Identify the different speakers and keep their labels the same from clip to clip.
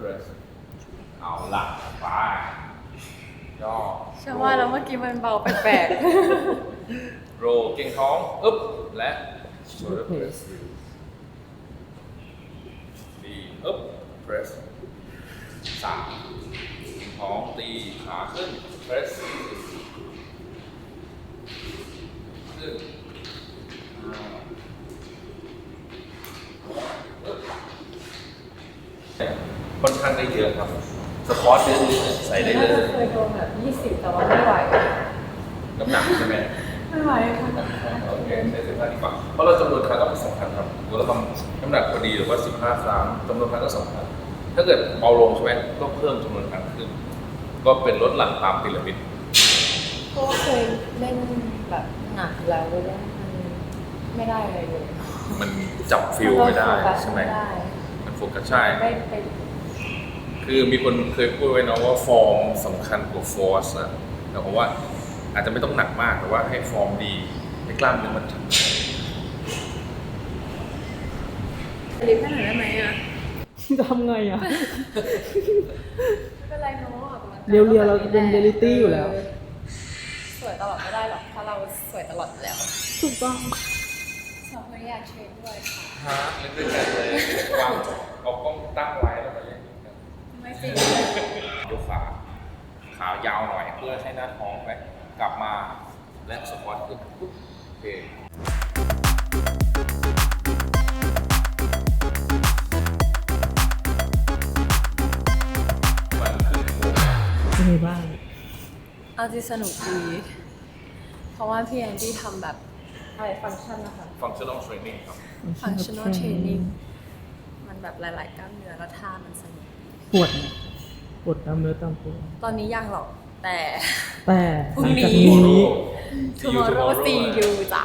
Speaker 1: press เอาหลักไปย่อ
Speaker 2: เชื่อว่าแล้วเมื่อกี้มันเบาแปลก
Speaker 1: โรเก่งท้องอึ๊บและ shoulder press ดีอึ๊บ press 3ท้องตีขาขึ้น press ขึ้นค่อนข้างได้เยอะครับสควอตใส่ได้เลย
Speaker 2: ๆเคยโดนแบบ20แต่ว่าไม่ไหว
Speaker 1: น้ำหนักใช่ไหม
Speaker 2: ไม่ไหวค่ะ
Speaker 1: โอเคใช้15ดีกว่าเพราะเราจำนวนครั้งก็เป็นสำคัญครับเราทำน้ำหนักพอดีหรือว่า15ครั้งจำนวนครั้งก็สำคัญถ้าเกิดเบาลงใช่ไหมก็เพิ่มจำนวนครั้งขึ้น ก็เป็นลดหลั่นตามพีระมิด
Speaker 2: เพราะว่าเคยเล่นแบบหนักแล้วมันไม่ได้อะไรเลย
Speaker 1: มันจับฟิลไม่ได้ใช่ไหม
Speaker 2: ไม่ได้
Speaker 1: มันโฟกัสใช่
Speaker 2: ไม่ไป
Speaker 1: คือมีคนเคยพูดไว้นะว่าฟอร์มสำคัญกว่าฟอร์สนะแต่ผมว่าอาจจะไม่ต้องหนักมากแต่ว่าให้ฟอร์มดีให้กล้ามเนื้อมัน
Speaker 2: ลิฟต์ให้หน่อยได้ไหมอ่ะ
Speaker 3: จะทำไงอ่ะ
Speaker 2: ไม่เป็นไรเนาะออกกำลังกาย
Speaker 3: เรียวๆเราเป็นเรียลลิตี้อยู่แล้ว
Speaker 2: สวยตลอดไม่ได้หรอกเพราะเราสวยตลอดอยู่แล้ว
Speaker 3: ถูกต้อง
Speaker 2: สองคนอยากเทรนด้วยค่ะ
Speaker 1: ฮะเล่นด้วยกันเลยวางเอากล้องตั้งไว้แล้วก็เล่นด้วยกัน
Speaker 2: ไม่จริง
Speaker 1: ยกขายาวหน่อยเพื่อให้หน้าท้องไปกลับมาและสควอตขึ้นปุ๊บโอเคมันขึ้นโมง
Speaker 3: เป็นไงบ้าง
Speaker 2: เอาจริงสนุกดีเพราะว่าพี่แอนดี้ทำแบบอะไรฟังก์ชันนะคะ
Speaker 1: functional training ครับ
Speaker 2: functional training มันแบบหลาย ๆ กล้ามเนื้อแล้วท่ามันสนุก
Speaker 3: ปวดไหมปวดตามเนื้อตามตัว
Speaker 2: ตอนนี้ยังหรอกแต่
Speaker 3: แต่
Speaker 2: พรุ่
Speaker 3: ห
Speaker 2: ง
Speaker 3: ลัง
Speaker 2: นี้
Speaker 3: จากนี้
Speaker 2: tomorrow see you จ้า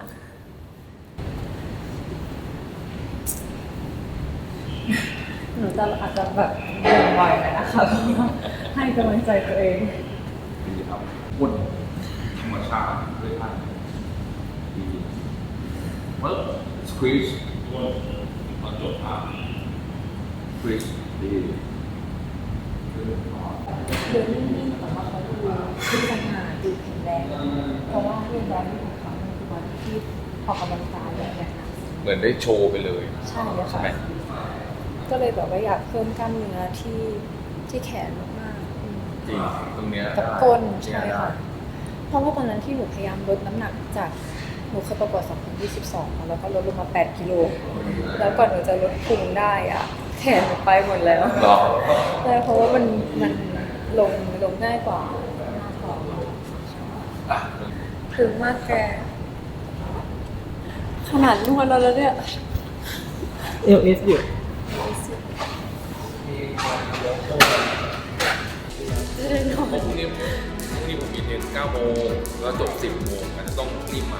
Speaker 2: หนูจะอาจจะแบบเดินไวหน่อยนะคะให้กำลังใจตัวเอง
Speaker 1: ดีครับวุ่นธรรมชาติด้วยท่าดีปึ๊บ squeeze ตอนจบท่า squeeze ดีขึ้นคอ
Speaker 2: เดินนิ่งๆแต่ว่าเขาดูขึ้นสง่าดูแข็งแรง เพราะว่าเรื่องแรงของเขาในตัวที่ออกกำลังกายแบบนี้นะ
Speaker 1: เหมือนได้โชว์ไปเลย
Speaker 2: ใช่เลย
Speaker 1: ใช่
Speaker 2: ค่ะ
Speaker 1: ไหม
Speaker 2: ก็เลยแบบว่าอยากเพิ่มกล้ามเนื้อที่แขนมากๆอืม
Speaker 1: จริงตรงเนี้ย
Speaker 2: กับก้น
Speaker 1: ได้
Speaker 2: ใช่ค่ะ เพราะว่าตอนนั้นที่หนูพยายามลดน้ำหนักจากหนูเคยประกวด2022 แล้วก็ลดลงมา8กิโลแล้วก่อนหนูจะลดพุงได้อะแขนหนูไปหมดแล้ว
Speaker 1: หรอ
Speaker 2: ใช่เพราะว่ามันลงง่ายกว่าหน้าท้อง
Speaker 1: อ่ะ
Speaker 2: ถึงมากแกขนาดนวดแล้วเนี่ย
Speaker 3: LS อยู่
Speaker 2: จะได้นอน
Speaker 1: พรุ่งนี้ผมมีเทรน9 โมงแล้วจบ 10 โมงอาจจะต้องรีบมา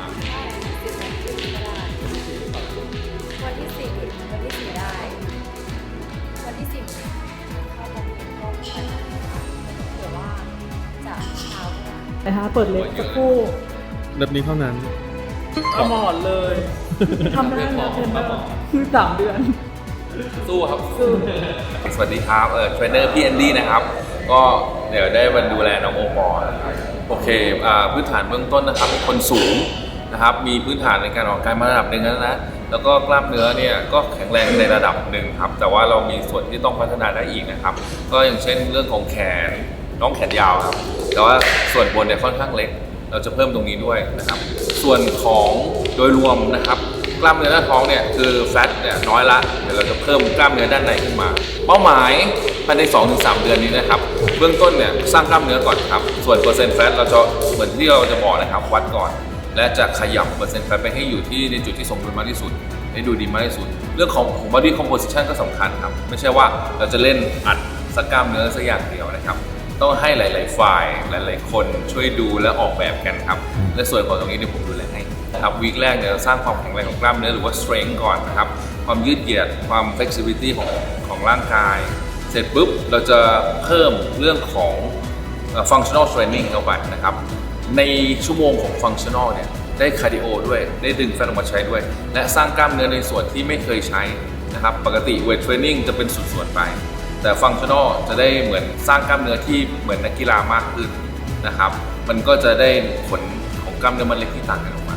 Speaker 2: วันที่4วันที่4ได้ วันที่10เข้าตอนเย็นก็ไปเผื่อว่าจะเช้าก็ได้
Speaker 3: แต่ถ้าเปิดเล็บสักครู่
Speaker 4: แบบนี้เท่านั้น
Speaker 3: เอาหมอนเลย ทำได้แล้วเทรนเนอร์คือ3 เดือน
Speaker 1: สู้ครับสวัสดีครับเทรนเนอร์พี่แอนดี้นะครับ ก็เดี๋ยวได้มาดูแลน้องโอปอล์นะครับโอเคพื้นฐานเบื้องต้นนะครับคนสูงนะครับมีพื้นฐานในการออกกำลังกายมาระดับหนึ่งแล้วนะแล้วก็กล้ามเนื้อเนี่ยก็แข็งแรงในระดับหนึ่งครับแต่ว่าเรามีส่วนที่ต้องพัฒนาได้อีกนะครับก็อย่างเช่นเรื่องของแขนน้องแขนยาวครับแต่ว่าส่วนบนเนี่ยค่อนข้างเล็กเราจะเพิ่มตรงนี้ด้วยนะครับส่วนของโดยรวมนะครับกล้ามเนื้อหน้าท้องเนี่ยคือแฟตเนี่ยน้อยละเดี๋ยวเราจะเพิ่มกล้ามเนื้อด้านในขึ้นมาเป้าหมายภายใน 2-3 เดือนนี้นะครับเบื้องต้นเนี่ยสร้างกล้ามเนื้อก่อนครับส่วนเปอร์เซ็นต์แฟตเราจะเหมือนที่เราจะบอกนะครับวัดก่อน และจะขยับเปอร์เซ็นต์แฟตไปให้อยู่ที่ในจุดที่สมดุลมากที่สุดให้ดูดีมากที่สุดเรื่องของ body composition ก็สำคัญครับไม่ใช่ว่าเราจะเล่นอัดสักกล้ามเนื้อสักอย่างเดียวนะครับต้องให้หลายๆฝ่ายหลายๆคนช่วยดูและออกแบบกันครับและส่วนของตรงนี้เดี๋ยวผมดูแลให้นะครับวีคแรกเนี่ยเราสร้างความแข็งแรงของกล้ามเนื้อหรือว่า strength ก่อนนะครับความยืดเหยียดความ flexibility ของร่างกายเสร็จปุ๊บเราจะเพิ่มเรื่องของ functional training เข้าไปนะครับในชั่วโมงของ functional เนี่ยได้คาร์ดิโอด้วยได้ดึงแฟตออกมาใช้ด้วยและสร้างกล้ามเนื้อในส่วนที่ไม่เคยใช้นะครับปกติ weight training จะเป็นส่วนๆไปแต่ฟังชั่นอลจะได้เหมือนสร้างกล้ามเนื้อที่เหมือนนักกีฬามากขึ้นนะครับมันก็จะได้ผลของกล้ามเนื้อมันเล็กที่ต่างกันออกมา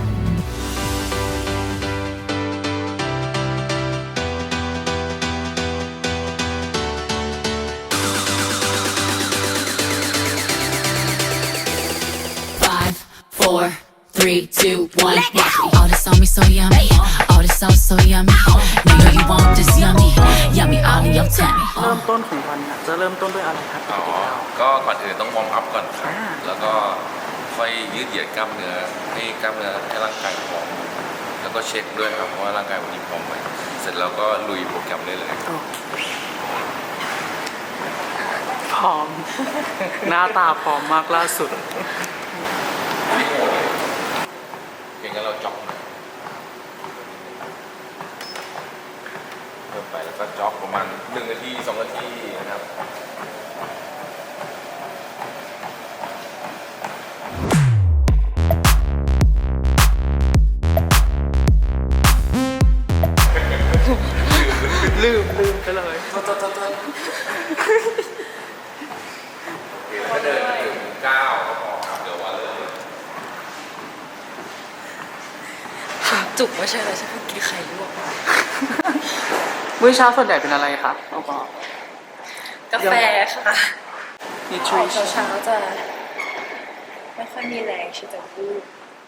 Speaker 4: 5, 4, 3, 2, 1. All this on me so yummy. All this sauce so yummy. Know you want this yummy. Yummy all in your tummy.
Speaker 3: เริ่มต้นของวันน่ะจะเริ่มต้นด้วยอะไรครับ
Speaker 1: อ๋อ ก็ก่อนอื่นต้องวอร์มอัพก่อนครับ
Speaker 3: อ่า
Speaker 1: แล้วก็ค่อยยืดเหยียดกล้ามเนื้อให้กล้ามเนื้อให้ร่างกายพร้อม แล้วก็เช็คด้วยครับว่าร่างกายวันนี้พร้อมไหมเสร็จแล้วก็ลุยโปรแกรมได้เลย
Speaker 3: พร้อม หน้าตาพร้อมมากล่าสุด
Speaker 1: ไม่โหดเลยเพียงแค่เราจ็อกหน่อยเพิ่มไปแล้วก็จ็อกประมาณ1 นาที 2 นาทีนะครับ
Speaker 3: ลืมไปเลย
Speaker 1: โอเคแล้วก็เดินไปถึง9ก็พอครับเดี๋ยวว่าเลย
Speaker 2: จุกไม่ใช่เลยฉันเพิ่งกินไข่ลวกมา
Speaker 3: มื้อเช้าส่วนใหญ่เป็นอะไรครับเอาบอก
Speaker 2: กาแฟค่ะ
Speaker 3: นิท
Speaker 2: อ
Speaker 3: ริ
Speaker 2: อก
Speaker 3: ชั่น
Speaker 2: เช้าๆจะไม่ค่อยมีแรงที่จะพูด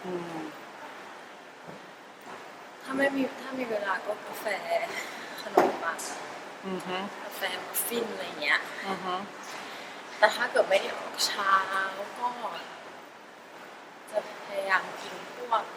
Speaker 2: ถ้ามีเวลาก็กาแฟขนมปังกาแฟมัฟฟินอะไรเงี้ย แต่ถ้าเกิดไม่ได้ออกเช้าก็จะพยายามกินพวก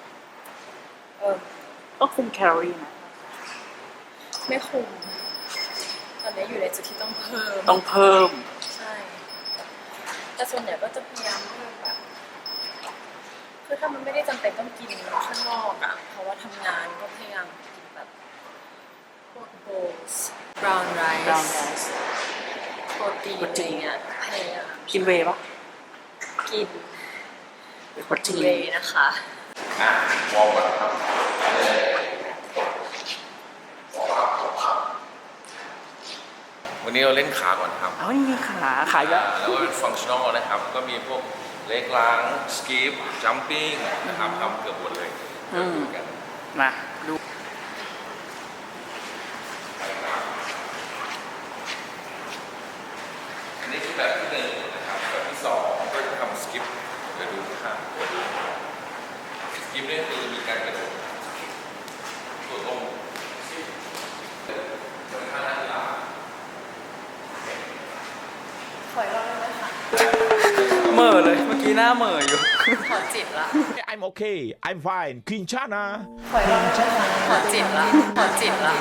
Speaker 3: ก็คุมแคลอรี่นะ
Speaker 2: ไม่คุมตอนนี้อยู่ในจุดที่ต้องเพิ่ม
Speaker 3: ต้องเพิ่ม
Speaker 2: ใช่ แต่ส่วนใหญ่ก็จะพยายามเพิ่มแบบคือถ้ามันไม่ได้จำเป็นต้องกินข้างนอกอ่ะเพราะว่าทำงานก็พยายามกินแบบพวกโบว์ส brown rice
Speaker 3: brown rice
Speaker 2: โปรตีนอะไรเงี้ยพยายาม
Speaker 3: กินเวย์ปะ
Speaker 2: กิน
Speaker 3: โปรตีน
Speaker 2: เวย์นะคะ
Speaker 1: วอร์มก่อนครับวันนี้เราเล่นขาก่อนครับ
Speaker 3: เอานี่มีขาเยอะ
Speaker 1: แล้วก็เป็นฟังชั่นอลนะครับ ก็มีพวกเล็กล้างสกีปจัมปิ้งนะครับทำเกือบหมดเลยเดี๋ยวดูกัน
Speaker 3: มาดู
Speaker 1: อันนี้คือแบบที่ 1นะครับแบบที่ 2ก็จะทำสกิปเดี๋ยวดูนะครับสกิปนี่คือมีการกระโดดตัวลงเหมือนท่านักกีฬา
Speaker 2: ขออีกรอบได้ไหมคะ
Speaker 3: เหม่อเลยเมื่อกี้หน้าเหม่ออยู่
Speaker 2: ขอจิตละ
Speaker 5: I'm okay. I'm fine. Quinchana.
Speaker 2: ขออีกรอบได้ไหมคะขอจิตละขอจิตละ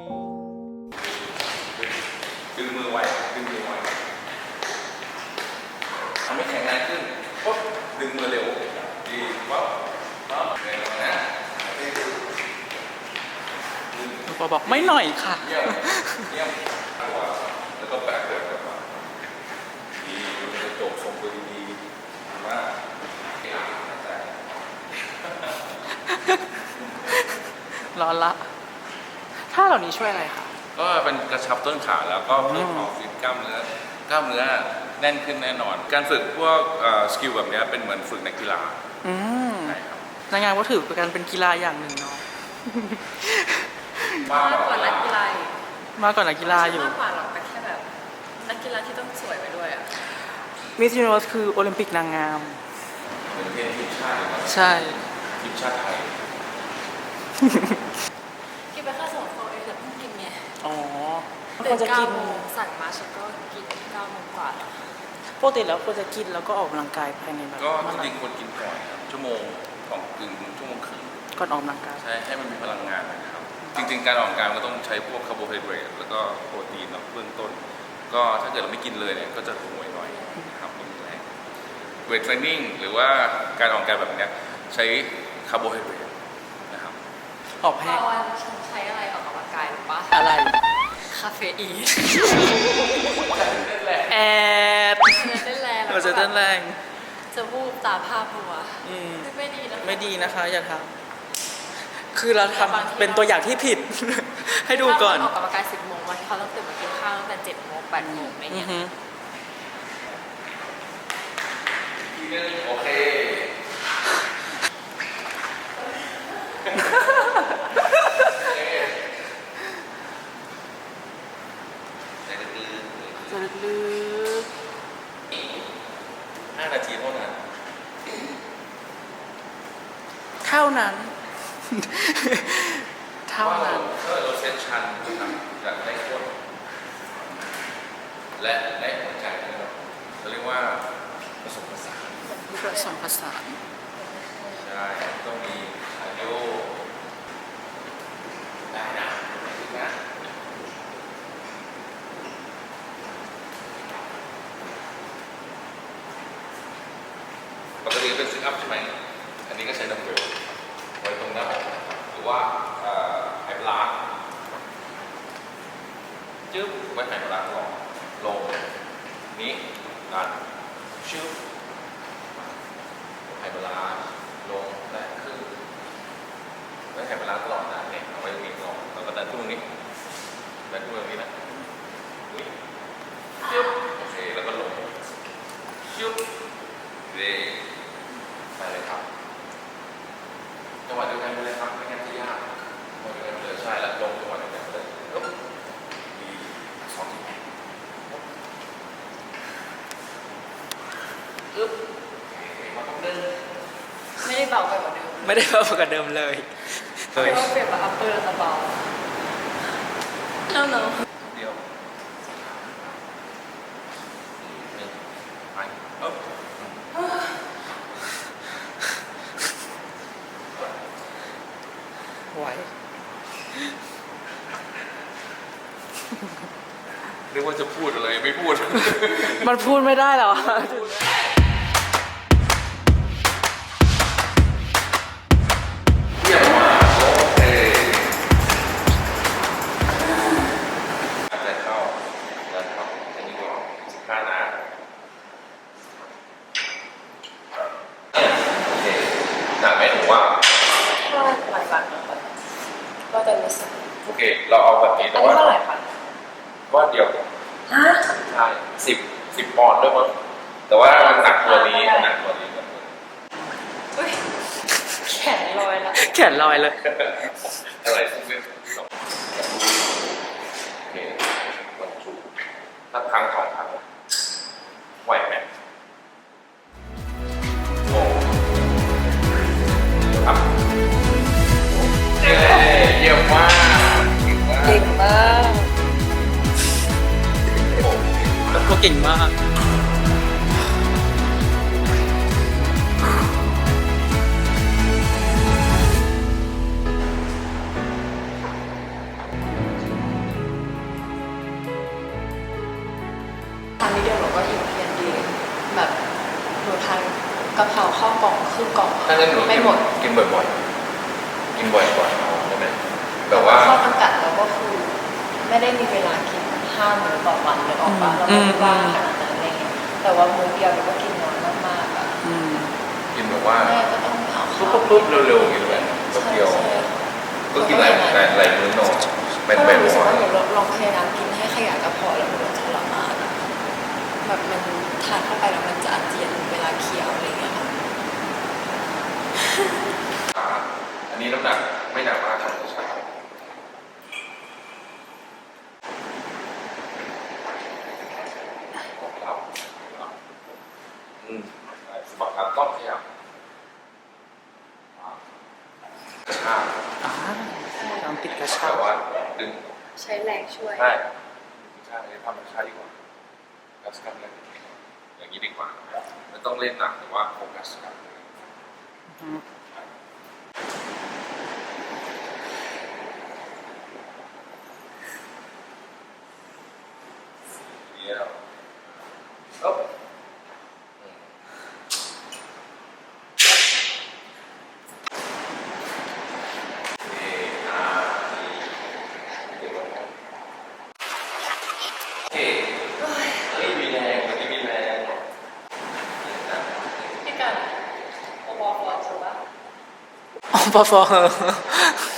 Speaker 1: ดึงมือไว้ดึงมือไว้ทำให้แข็งแรงขึ้นปุ๊บดึงมือเร็วดีปั๊บปั๊บเร็วนะ
Speaker 3: ปอบอกไม่หน่อยค่ะ
Speaker 1: เยี่ยมเยี่ยมตัวแล้วก็แบกเดินกลับมาดีดูกระจกทรงตัวดีๆมาก
Speaker 3: ร้อนละท่าเหล่านี้ช่วยอะไรคะ
Speaker 1: ก็เป็นกระชับต้นขาแล้วก็เพิ่มความฟิตกล้ามเนื้อแน่นขึ้นแน่นอน การฝึกพวกสกิลแบบนี้เป็นเหมือนฝึกนักกีฬาใช่ครับ
Speaker 3: นางงามก็ถือเป็นการเป็นกีฬาอย่างหนึ่งเนาะ
Speaker 2: มากกว่านักกีฬาอีก
Speaker 3: มากกว่านักกีฬาอยู่
Speaker 2: มากกว่าหรอกแต่แค่แบบนักกีฬาที่ต้องสวยไปด้วยอ่ะ
Speaker 3: มิสยูนิเวิร์สคือโอลิมปิกนางงาม
Speaker 1: เป็นเพลงทีมชาติเลยนะ
Speaker 3: ใช่
Speaker 1: ทีมชาติไทย
Speaker 2: กินไปแค่2 ฟองเองแต่เพิ่งกินไง
Speaker 3: อ๋อ
Speaker 2: ตื่น9 โมงสั่งมาฉันก็กิน9 โมงกว่าแล้ว
Speaker 3: ปกติแล้วควรจะกินแล้วก็ออกกำลังกายภายในแบบ
Speaker 1: ก็
Speaker 3: เมื่อ
Speaker 1: จ
Speaker 3: ไหร่
Speaker 1: ริงๆควรกินก่อนครับชั่วโมงชั่วโมงครึ่ง
Speaker 3: ก่อนออกกำลังกาย
Speaker 1: ใช่ให้มันมีพลังงานนะครับ จริงๆ การออกกำลังกายมันก็ต้องใช้พวกคาร์โบไฮเดรตแล้วก็โปรตีนเนาะเบื้องต้น ก็ถ้าเกิดเราไม่กินเลยเนี่ยก็จะห่วยหน่อยนะครับไม่มีแรงเวทเทรนนิ่งหรือว่าการออกกำลังกายแบบเนี้ยใช้คาร์โบไฮเดรตนะครับ
Speaker 3: ออกแห้ง
Speaker 2: วันฉันใช้อะไรออกกำลังกายหรือปะ
Speaker 3: อะไร
Speaker 2: คาเฟอีน
Speaker 3: แอด
Speaker 2: เต้นแรง
Speaker 3: เราจะเต้นแรง
Speaker 2: จะวูบตาผ้าพัว
Speaker 3: อืม
Speaker 2: ไม่ดีนะ
Speaker 3: ไม่ดีนะคะอย่าทคือเราทำเป็นตัวอย่างที่ผิด ให้ดูก่อน
Speaker 2: ออกกำลังกาย10 โมงวันที่เขาต้องตื่นมากินข้าวตั้งแต่7 โมง 8 โมงอะไรเงี้ย
Speaker 1: โอเค
Speaker 3: จะลึก
Speaker 1: 5 นาทีเท่านั้น
Speaker 3: เท่านั้น เท่านั้น
Speaker 1: ถ้าเราเซตชันนะครับจะได้ก้นและได้หัวใจด้วยเนาะเขาเรียกว่าผสมผสาน
Speaker 3: ผสมผสาน
Speaker 1: ใช่ต้องมีคาร์ดิโอได้นะปกติเป็นซิทอัพใช่ไหมอันนี้ก็ใช้ดัมเบลไว้ตรงหน้าอกหรือว่าไฮบลาร์จึ๊บไว้ไฮบลาร์ลงนี้ดันชึ๊บไฮบลาร์ลงและขึ้นไว้ไฮบลาร์ตลอดนะเนี่ยเอาไว้ตรงนี้ก่อนแล้วก็ดันขึ้นตรงนี้ดันขึ้นตรงนี้นะนี่จึ๊บโอเคแล้วก็ลงชึ๊บเร่ไปเลยครับจังหวะเดียวกันไปเลยครับไม่งั้นจะยากจังหวะเดียวกันไปเลยใช่แล้วลงจังหวะเดียวกันไปเลยปึ๊บดี2 ทีปึ๊บมาต้องเดิน
Speaker 2: ไม่ได้เบาไปกว่าเดิม
Speaker 3: ไม่ได้เพิ่มกว่าเดิมเลย
Speaker 2: เพราะว่าเปลี่ยนมาอัปเปอร์แล้วจะเบาno no
Speaker 1: เดียวหนึ่งไปปึ๊บ
Speaker 3: ไหว
Speaker 1: นึกว่าจะพูดอะไรไม่พูด
Speaker 3: มันพูดไม่ได้หรอ
Speaker 1: เยี่ยมมากโอเคแต่เข้าแล้วเข้าอันนี้ก็15 นะโอเคหนักไหมหนูว่า
Speaker 2: ถ้าหลายวันนะคะก็จะรู้สึก
Speaker 1: โอเค เราเอาแบบนี้
Speaker 2: อั
Speaker 1: แต่
Speaker 2: นนี้
Speaker 1: ว่า
Speaker 2: เท่าไหร่คะ
Speaker 1: ก้อนเดียว
Speaker 2: ฮะ
Speaker 1: ใช่10 ปอนด์ด้วยมั้งแต่ว่ามันหนักตัวนี้หนักตัวนี้
Speaker 2: อุ้ยแขนลอยละ
Speaker 3: แขนลอยเลย
Speaker 1: อะไรสักนิดโอเควันจุถ้าครั้ง2 ครั้งไหวไหมโอ้ครับเยี่ยมมากเก่งมาก
Speaker 2: เก่งมาก
Speaker 3: แล้วก็เก่งมาก
Speaker 2: ทานนิดเดียวหนูก็อิ่มเพียงดีแบบหนูทานกะเพราข้าวกล่องครึ่งกล่อง
Speaker 1: ถ้างั้นหนู
Speaker 2: ไม่หมด
Speaker 1: กินบ่อยๆกินบ่อยๆเอาได้ไหมแบบว่า
Speaker 2: ข้อจำกัดเราก็คือไม่ได้มีเวลากิน5 มื้อต่อวันเลยออกมาเราไม่ได้ว่างขนาดนั้นอะไรเงี้ยแต่ว่ามื้อเดียวเราก็กินน้อยมากๆอ่ะ
Speaker 1: กินแบบว่า
Speaker 2: แม่ก็ต้องเอาข้าว
Speaker 1: ปุ๊บเร็วๆอย่างนี้เลยแป๊บเดียว ก็กินหลายมื้อหน่อยเป็น
Speaker 2: เพราะ
Speaker 1: แบ
Speaker 2: เรา
Speaker 1: บ
Speaker 2: รู้สึก
Speaker 1: ว่า
Speaker 2: ว่าหนูลองพยายามกินให้ขยายกระเพาะแล้วหนูจะทรมานอะแบบมันทานเข้าไปแล้วมันจะอาเจียนเวลาเคี้ยวอะไรเงี้ยค่ะ
Speaker 1: อันนี้น้ำหนักไม่หนักมากครับใช่ครับสมัครการต้องขยับกระชาก
Speaker 3: น้ำปิดกระชา
Speaker 1: แต่
Speaker 3: ก
Speaker 1: ว่าดึง
Speaker 2: ใช้แรงช่วย
Speaker 1: ใช่ใช่ทำกระชากดีกว่าโฟกัสกันเลยอย่างนี้ดีกว่าไม่ต้องเล่นหนักแต่ว่าโฟกัสกันเดี๋ยวอ๊บมีแรงวันนี้มีแรง
Speaker 2: พี่กันโอปอฟอร์ถูกปะ
Speaker 3: อ๋อปอฟอ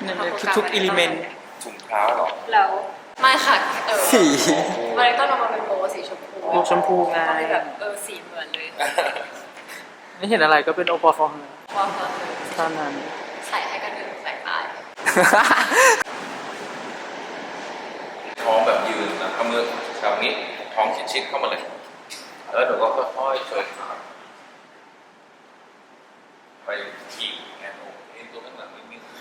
Speaker 3: ทุกอิเลเมนต์
Speaker 1: ถุงเท้าเหรอ
Speaker 2: แล้วไม่ค่ะ
Speaker 3: สี
Speaker 2: มันต้องออกมาเป็นโบสีชมพู
Speaker 3: โบชมพูไง
Speaker 2: ก็เลยแบบสีเหมือนเลย
Speaker 3: ไม่เห็นอะไรก็เป็นโอปอลฟอง
Speaker 2: ว่าพอเลย
Speaker 3: เท่านั้น
Speaker 2: ใส่ให้กันเดินใส่ตาย
Speaker 1: ท้องแบบยืนนะเอามือแบบนี้ท้องชิดๆเข้ามาเลยแล้วเดี๋ยวก็ค่อยๆเชิญขาไปขี่แอนโอเอ็นตัวข้างหลังนิดๆ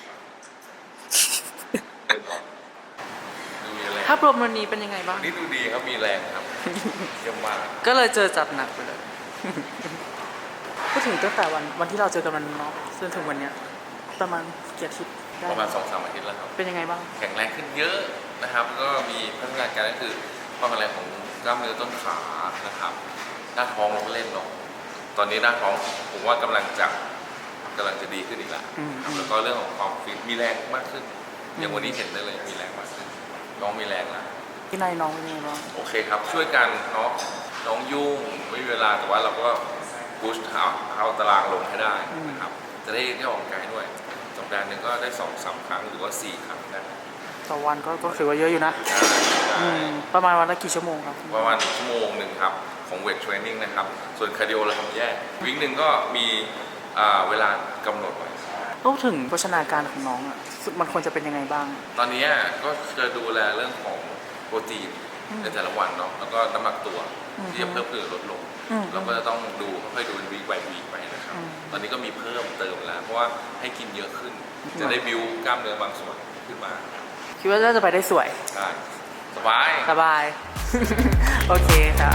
Speaker 1: เดินออกดูมีแรง
Speaker 3: ภาพรวมวันนี้เป็นยังไงบ้าง
Speaker 1: นี่ดูดีครับมีแรงครับเยี่ยมมาก
Speaker 3: ก็เลยเจอจัดหนักไปเลย พูดถึงตั้งแต่วันที่เราเจอกันมันเนาะจนถึงวันเนี้ยประมาณกี่อาทิตย์ได้
Speaker 1: ประมาณ 2-3 อาทิตย์แล้วครับ
Speaker 3: เป็นยังไงบ้าง
Speaker 1: แข็งแรงขึ้นเยอะนะครับก็มีพัฒนาการก็คือความแข็งแรงของกล้ามเนื้อต้นขานะครับหน้าท้องเราก็เล่นลงตอนนี้หน้าท้องผมว่ากำลังจะดีขึ้นอีกแล้วนะครับแล้วก็เรื่องของความฟิตมีแรงมากขึ้นอย่างวันนี้เห็นได้เลยมีแรงมากขึ้นน้องมีแรงแล้ว
Speaker 3: ที่นายน้องเป็นยังไงบ้าง
Speaker 1: โอเคครับช่วยกันเนาะน้องยุ่งไม่มีเวลาแต่ว่าเราก็พุชเอาตารางลงให้ได้นะครับจะได้ออกกำลังกายด้วยสัปดาห์หนึ่งก็ได้ 2-3 ครั้งหรือว่า 4 ครั้งได้
Speaker 3: ต่อวันก็ถือว่าเยอะอยู่นะ
Speaker 1: ได้
Speaker 3: ประมาณวันละกี่ชั่วโมงครับ
Speaker 1: ประมาณ1 ชั่วโมงครับของเวทเทรนนิ่งนะครับส่วนคาร์ดิโอเราทำแยกวิ่งหนึ่งก็มีเวลากำหนดไว้
Speaker 3: พูดถึงโภชนาการของน้องอ่ะมันควรจะเป็นยังไงบ้าง
Speaker 1: ตอนนี้ก็จะดูแลเรื่องของโปรตีนในแต่ละวันเนาะแล้วก็น้ำหนักตัวที่จะเพิ่มขึ้นหรือลดลงเราก็จะต้องดูค่อยๆดูเป็นวีคไปวีคไปนะครับตอนนี้ก็มีเพิ่มเติมแล้วเพราะว่าให้กินเยอะขึ้น จะได้บิวกล้ามเนื้อบางส่วนขึ้นมา
Speaker 3: คิดว่าน่าจะไปได้สวย
Speaker 1: ได้สบาย
Speaker 3: สบาย โอเคค่ะ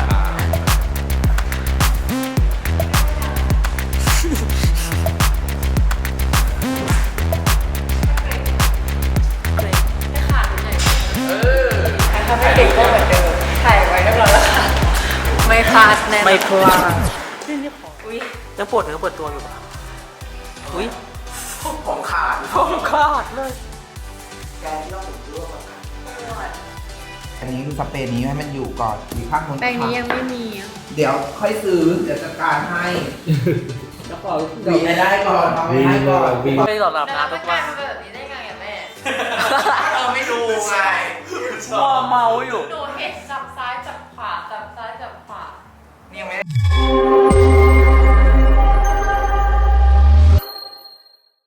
Speaker 2: ถ้าไม่เก่งก็เหมือนเดิมถ่ายไว้เรียบร้อยแล้วค่ะไม่พลาดแน่นอน
Speaker 3: ไม่พลาด
Speaker 2: อุ้ย
Speaker 3: ยังปวดเนื้อปวดตัวอยู่ปะอุ้ยผมขาดเลย
Speaker 6: อันนี้คือสเปรย์นี้ให้มันอยู่ก่อนอีกข้างคน
Speaker 2: แปรงนี้ยังไม่มีอ่ะ
Speaker 6: เดี๋ยวค่อยซื้อ เดี๋ยวจัดการให้วีไม่ได้ก่อนเอาไม่ให้ก่อน
Speaker 3: ไม่หลอดหลับ
Speaker 2: แต่
Speaker 3: นะ
Speaker 2: เรา
Speaker 3: ทุ
Speaker 2: ไม่
Speaker 3: ก
Speaker 2: ก
Speaker 3: วั
Speaker 2: ลาน ยเป็นแบบนี้ได้ไงอ่ะแม่
Speaker 6: เราไม่ดูไง
Speaker 3: ชอบเมาอยู่
Speaker 2: หนูเห็นจับซ้ายจับขวาจับซ้ายจับขวา
Speaker 6: นี่ยังไม่ได้